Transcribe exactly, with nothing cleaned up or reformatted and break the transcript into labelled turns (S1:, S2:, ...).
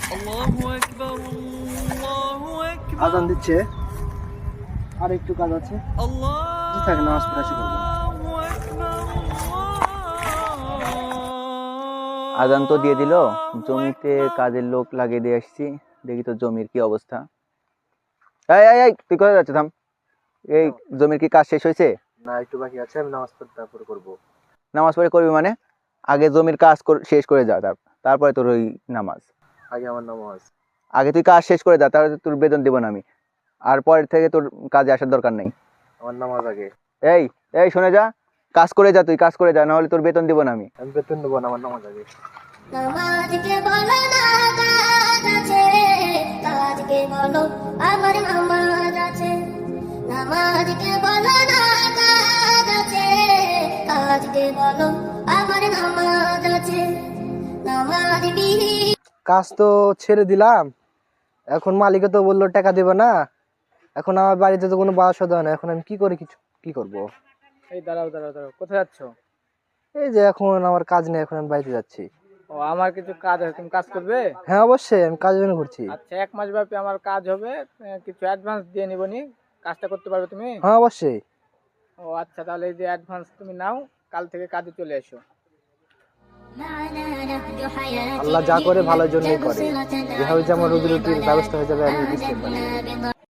S1: আজান দিচ্ছে, আর একটু কাজ আছে, থাকে নামাজ পড়া শুরু করবো।
S2: আজান তো দিয়ে দিল, জমিতে কাজের লোক লাগিয়ে দিয়ে আসছি, দেখি তো জমির কি অবস্থা। এই এই এই তুই কোথায় যাচ্ছিস? থাম। এই জমির কি কাজ শেষ হয়েছে?
S1: না, একটু বাকি আছে, আমি নামাজ পড়ে তারপরে করবো।
S2: নামাজ পড়ে করবি মানে? আগে জমির কাজ শেষ করে যা, তারপরে তোর ওই নামাজ।
S1: আগে আমার নামাজ।
S2: আগে তুই কাজ শেষ করে যা, তাহলে তোর বেতন দিব না আমি, আর পরের থেকে তোর কাজে আসার দরকার নেই।
S1: আমার নামাজ আগে।
S2: এই এই শুনে যা, কাজ করে যা, তুই কাজ করে যা, না হলে তোর বেতন দিব না আমি।
S1: আমি বেতন দেবো না, আমার নামাজ আগে।
S3: নামাজকে বলো না কাজ আছে, কাজকে বলো আমার নামাজ আছে। নামাজকে বলো না কাজ আছে, কাজকে বলো আমার নামাজ আছে। নামাজ বিহীন
S1: কাজ তো ছেড়ে দিলাম, এখন মালিকে তো বললো টাকা দেবে না, এখন আমার বাড়িতে তো কোনো বাসা দেয় না, এখন আমি কি করে কিছু কি করব?
S4: এই দাঁড়াও দাঁড়াও দাঁড়াও, কোথায় যাচ্ছ?
S1: এই যে এখন আমার কাজ নেই, এখন আমি বাড়িতে যাচ্ছি।
S4: ও, আমার কিছু কাজ আছে, তুমি কাজ করবে?
S1: হ্যাঁ অবশ্যই, আমি কাজের জন্য ঘুরছি।
S4: আচ্ছা, এক মাস ব্যাপী আমার কাজ হবে, আহ, কিছু অ্যাডভান্স দিয়ে নিবনি, কাজটা করতে পারবে তুমি?
S1: হ্যাঁ অবশ্যই।
S4: ও আচ্ছা, তাহলে এই যে অ্যাডভান্স তুমি নাও, কাল থেকে কাজে চলে এসো।
S1: আল্লাহ যা করে ভালোর জন্যই করে, যেভাবে যে আমার রুজি রুটির ব্যবস্থা হয়ে যাবে আমি বুঝতে পারি।